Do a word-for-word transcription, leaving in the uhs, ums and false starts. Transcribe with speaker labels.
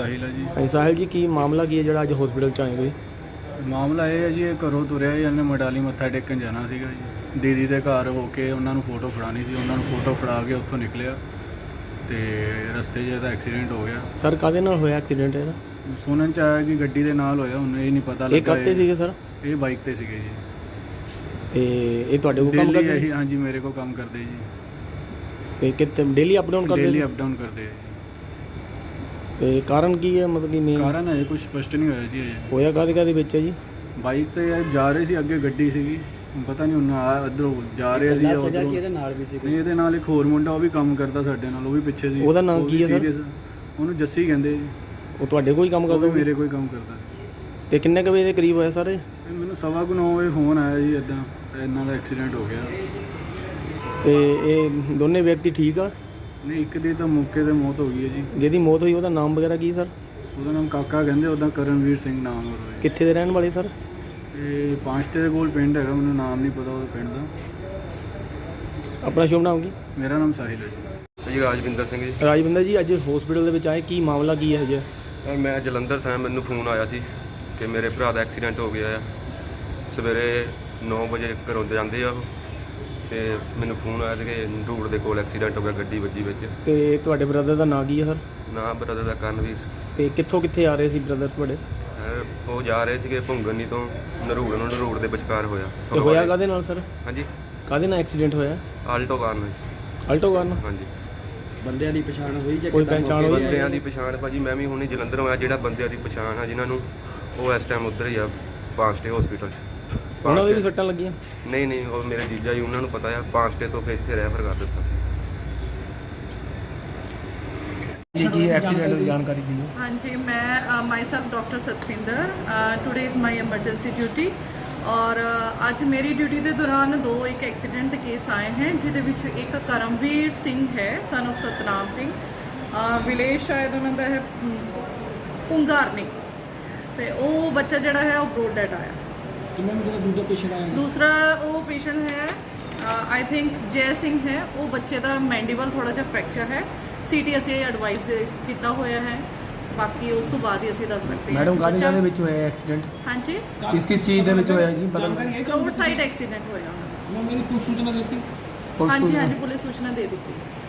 Speaker 1: ਸਾਹਿਲ ਹੈ ਜੀ।
Speaker 2: ਹਾਂਜੀ ਸਾਹਿਲ ਜੀ, ਕੀ ਮਾਮਲਾ ਕੀ ਹੈ ਜਿਹੜਾ ਅੱਜ ਹਸਪੀਟਲ ਚ ਆਏ ਹੋਏ?
Speaker 1: ਮਾਮਲਾ ਇਹ ਹੈ ਜੀ, ਇਹ ਘਰੋਂ ਤੁਰਿਆ ਜੀ, ਇਹਨੇ ਮਡਾਲੀ ਮੱਥਾ ਟੇਕਣ ਜਾਣਾ ਸੀਗਾ ਜੀ। ਦੀਦੀ ਦੇ ਘਰ ਹੋ ਕੇ ਉਹਨਾਂ ਨੂੰ ਫੋਟੋ ਫੜਾਉਣੀ ਸੀ, ਉਹਨਾਂ ਨੂੰ ਫੋਟੋ ਫੜਾ ਕੇ ਉੱਥੋਂ ਨਿਕਲਿਆ ਤੇ ਰਸਤੇ 'ਚ ਇਹਦਾ ਐਕਸੀਡੈਂਟ ਹੋ ਗਿਆ।
Speaker 2: ਸਰ ਕਾਹਦੇ ਨਾਲ ਹੋਇਆ ਐਕਸੀਡੈਂਟ ਇਹਦਾ?
Speaker 1: ਸੁਣਨ 'ਚ ਆਇਆ ਕਿ ਗੱਡੀ ਦੇ ਨਾਲ ਹੋਇਆ, ਹੁਣ ਇਹ ਨਹੀਂ ਪਤਾ
Speaker 2: ਇਹ
Speaker 1: ਲੱਗਾ।
Speaker 2: ਕਾਹਤੇ ਸੀਗੇ ਸਰ?
Speaker 1: ਇਹ ਬਾਈਕ ਤੇ ਸੀਗੇ ਜੀ।
Speaker 2: ਤੇ ਇਹ ਤੁਹਾਡੇ ਕੋਲ ਕੰਮ
Speaker 1: ਡੇਲੀ
Speaker 2: ਕਰਦੇ?
Speaker 1: ਇਹੀ ਹਾਂਜੀ ਮੇਰੇ ਕੋਲ ਕੰਮ ਕਰਦੇ ਜੀ।
Speaker 2: ਤੇ ਕਿਤੇ ਡੇਲੀ ਅਪ ਡਾਊਨ ਕਰਦੇ?
Speaker 1: ਡੇਲੀ ਅਪ ਡਾਊਨ ਕਰਦੇ ਆ ਜੀ।
Speaker 2: ਤੇ ਕਾਰਨ ਕੀ ਹੈ, ਮਤਲਬ ਕਿ ਮੇਨ
Speaker 1: ਕਾਰਨ ਹੈ ਕੁਝ ਸਪਸ਼ਟ ਨਹੀਂ ਹੋਇਆ ਜੀ ਅਜੇ।
Speaker 2: ਹੋਇਆ ਕਾਹਦੇ ਕਾਹਦੇ ਵਿੱਚ ਹੈ ਜੀ?
Speaker 1: ਬਾਈਕ ਤੇ ਇਹ ਜਾ ਰਹੇ ਸੀ, ਅੱਗੇ ਗੱਡੀ ਸੀਗੀ, ਪਤਾ ਨਹੀਂ ਉਹਨਾਂ ਆ ਇੱਧਰੋਂ ਜਾ ਰਿਹਾ ਸੀ ਉੱਧਰੋਂ।
Speaker 2: ਇਹਦੇ ਨਾਲ ਵੀ ਸੀ?
Speaker 1: ਨਹੀਂ, ਇਹਦੇ ਨਾਲ ਇੱਕ ਹੋਰ ਮੁੰਡਾ, ਉਹ ਵੀ ਕੰਮ ਕਰਦਾ ਸਾਡੇ ਨਾਲ, ਉਹ ਵੀ ਪਿੱਛੇ ਸੀ।
Speaker 2: ਉਹਦਾ ਨਾਮ ਕੀ ਹੈ ਸਰ?
Speaker 1: serious, ਉਹਨੂੰ ਜੱਸੀ ਕਹਿੰਦੇ ਜੀ।
Speaker 2: ਉਹ ਤੁਹਾਡੇ ਕੋਲ ਹੀ ਕੰਮ
Speaker 1: ਉਹ
Speaker 2: ਕਰਦਾ?
Speaker 1: ਵੀ ਮੇਰੇ ਕੋਈ ਕੰਮ ਕਰਦਾ।
Speaker 2: ਤੇ ਕਿੰਨੇ ਕੁ ਵਜੇ ਦੇ ਕਰੀਬ ਹੋਇਆ ਸਰ ਇਹ?
Speaker 1: ਇਹ ਮੈਨੂੰ ਸਵਾ ਕੁ ਨੌ ਵਜੇ ਫੋਨ ਆਇਆ ਜੀ, ਇੱਦਾਂ ਇਹਨਾਂ ਦਾ ਐਕਸੀਡੈਂਟ ਹੋ ਗਿਆ।
Speaker 2: ਤੇ ਇਹ ਦੋਨੇ ਵਿਅਕਤੀ ਠੀਕ ਆ?
Speaker 1: ਨਹੀਂ, ਇੱਕ ਦੀ ਤਾਂ ਮੌਕੇ ਤੇ ਮੌਤ ਹੋ ਗਈ ਹੈ ਜੀ।
Speaker 2: ਜਿਹਦੀ ਮੌਤ ਹੋਈ ਉਹਦਾ ਨਾਮ ਵਗੈਰਾ ਕੀ ਸਰ?
Speaker 1: ਉਹਦਾ ਨਾਮ ਕਾਕਾ ਕਹਿੰਦੇ, ਉਹਦਾ ਕਰਨਵੀਰ ਸਿੰਘ ਨਾਮ ਹੋ ਰਿਹਾ।
Speaker 2: ਕਿੱਥੇ ਦੇ ਰਹਿਣ ਵਾਲੇ ਸਰ?
Speaker 1: ਇਹ ਪਾਂਚਤੇ ਦੇ ਕੋਲ ਪਿੰਡ ਹੈਗਾ, ਮੈਨੂੰ ਨਾਮ ਨਹੀਂ ਪਤਾ ਉਹਦਾ ਪਿੰਡ ਦਾ।
Speaker 2: ਆਪਣਾ ਸ਼ੁਭ ਨਾਮ ਕੀ?
Speaker 1: ਮੇਰਾ ਨਾਮ ਸਾਹਿਲ ਹੈ ਜੀ।
Speaker 3: ਜੀ ਰਾਜਵਿੰਦਰ ਸਿੰਘ ਜੀ।
Speaker 2: ਰਾਜਵਿੰਦਰ ਜੀ, ਅੱਜ ਹਸਪੀਟਲ ਦੇ ਵਿੱਚ ਆਏ, ਕੀ ਮਾਮਲਾ ਕੀ ਹੈ ਜੀ?
Speaker 3: ਸਰ ਮੈਂ ਜਲੰਧਰ ਤੋਂ, ਮੈਨੂੰ ਫੋਨ ਆਇਆ ਸੀ ਕਿ ਮੇਰੇ ਭਰਾ ਦਾ ਐਕਸੀਡੈਂਟ ਹੋ ਗਿਆ ਆ। ਸਵੇਰੇ ਨੌ ਵਜੇ ਘਰੋਂ ਜਾਂਦੇ ਆ ਉਹ, ਤੇ ਮੈਨੂੰ ਫੋਨ ਆਇਆ ਸੀ ਕਿ ਰੂਟ ਦੇ ਕੋਲ ਐਕਸੀਡੈਂਟ ਹੋ ਗਿਆ, ਗੱਡੀ ਵੱਜੀ ਵਿੱਚ।
Speaker 2: ਤੇ ਤੁਹਾਡੇ ਬ੍ਰਦਰ ਦਾ ਨਾਂ ਕੀ ਹੈ ਸਰ?
Speaker 3: ਨਾ ਬ੍ਰਦਰ ਦਾ ਕਰਨਵੀਰ।
Speaker 2: ਤੇ ਕਿੱਥੋਂ ਕਿੱਥੇ ਆ ਰਹੇ ਸੀ ਬ੍ਰਦਰ ਤੁਹਾਡੇ?
Speaker 3: ਸਰ ਉਹ ਜਾ ਰਹੇ ਸੀਗੇ ਭੁੰਗਨੀ ਤੋਂ ਨਰੂੜ ਨੂੰ, ਨਰੂੜ ਦੇ ਵਿਚਕਾਰ ਹੋਇਆ।
Speaker 2: ਤੇ ਹੋਇਆ ਕਾਹਦੇ ਨਾਲ ਸਰ?
Speaker 3: ਹਾਂਜੀ,
Speaker 2: ਕਾਹਦੇ ਨਾਲ ਐਕਸੀਡੈਂਟ ਹੋਇਆ?
Speaker 3: ਆਲਟੋ ਕਾਰ ਨਾਲ।
Speaker 2: ਆਲਟੋ ਕਾਰ ਨਾਲ?
Speaker 3: ਹਾਂਜੀ।
Speaker 2: ਬੰਦਿਆਂ ਦੀ ਪਛਾਣ ਹੋਈ ਜਾਂ ਕੋਈ ਪਹਿਚਾਣ ਹੋਈ?
Speaker 3: ਬੰਦਿਆਂ ਦੀ ਪਛਾਣ ਭਾਜੀ ਮੈਂ ਵੀ ਹੁਣੇ ਜਲੰਧਰ ਆਇਆ, ਜਿਹੜਾ ਬੰਦਿਆਂ ਦੀ ਪਛਾਣ ਆ ਜਿਨ੍ਹਾਂ ਨੂੰ, ਉਹ ਇਸ ਟਾਈਮ ਉੱਧਰ ਹੀ ਆ ਪਾਂਚਟੇ ਹਸਪੀਟਲ 'ਚ।
Speaker 2: ਉਹਨਾਂ ਦੇ ਵੀ ਸੱਟਾਂ ਲੱਗੀਆਂ?
Speaker 3: ਨਹੀਂ ਨਹੀਂ, ਉਹ ਮੇਰੇ ਜੀਜਾ ਜੀ, ਉਹਨਾਂ ਨੂੰ ਪਤਾ ਆ, ਪਾਂਚਟੇ ਤੋਂ ਫਿਰ ਇੱਥੇ ਰੈਫਰ ਕਰ ਦਿੱਤਾ।
Speaker 2: ਜੀ ਕੀ ਐਕਸੀਡੈਂਟ ਦੀ ਜਾਣਕਾਰੀ ਦਿਓ।
Speaker 4: हाँ जी, मैं myself doctor Satvinder, today is my emergency duty. और ਅੱਜ ਮੇਰੀ ਡਿਊਟੀ ਦੇ ਦੌਰਾਨ ਦੋ ਇੱਕ ਐਕਸੀਡੈਂਟ ਦੇ ਕੇਸ ਆਏ हैं, ਜਿਹਦੇ ਵਿੱਚ ਇੱਕ ਕਰਮਵੀਰ ਸਿੰਘ ਹੈ, son of Satnam Singh, village ਸ਼ਾਇਦ ਉਹਨਾਂ ਦਾ ਹੈ ਪੁੰਗਾਰਨੀ, ਤੇ ਉਹ ਬੱਚਾ ਜਿਹੜਾ ਹੈ ਉਹ ਬਰੋਡ ਡੈਡ ਆਇਆ।
Speaker 2: ਕਿੰਨੇ ਜਿਹੜਾ ਦੂਜਾ ਪੇਸ਼ੈਂਟ ਆਇਆ?
Speaker 4: ਦੂਸਰਾ ਉਹ ਪੇਸ਼ੈਂਟ ਹੈ ਆਈ ਥਿੰਕ ਜੈ ਸਿੰਘ ਹੈ, ਉਹ ਬੱਚੇ ਦਾ ਮੈਂਡੀਬਲ ਥੋੜਾ ਜਿਹਾ ਫ੍ਰੈਕਚਰ ਹੈ। ਸੀਟੀ ਅਸੀਂ ਐਡਵਾਈਸ ਕੀਤਾ ਹੋਇਆ ਹੈ, ਬਾਕੀ ਉਸ ਤੋਂ ਬਾਅਦ ਹੀ ਅਸੀਂ ਦੱਸ ਸਕਦੇ ਹਾਂ।
Speaker 2: ਮੈਡਮ ਕਾਹਦੇ ਕਾਹਦੇ ਵਿੱਚ ਹੋਇਆ ਐਕਸੀਡੈਂਟ?
Speaker 4: ਹਾਂਜੀ,
Speaker 2: ਕਿਸ ਕਿਸ ਚੀਜ਼ ਦੇ ਵਿੱਚ ਹੋਇਆ ਜੀ? ਪਤਾ ਨਹੀਂ।
Speaker 4: ਰੋਡ ਸਾਈਡ ਐਕਸੀਡੈਂਟ ਹੋਇਆ ਉਹਨਾਂ ਦਾ।
Speaker 2: ਮੇਰੀ ਪੁਲਿਸ ਸੂਚਨਾ ਦਿੱਤੀ?
Speaker 4: ਹਾਂਜੀ ਹਾਂਜੀ, ਪੁਲਿਸ ਸੂਚਨਾ ਦੇ ਦਿੱਤੀ।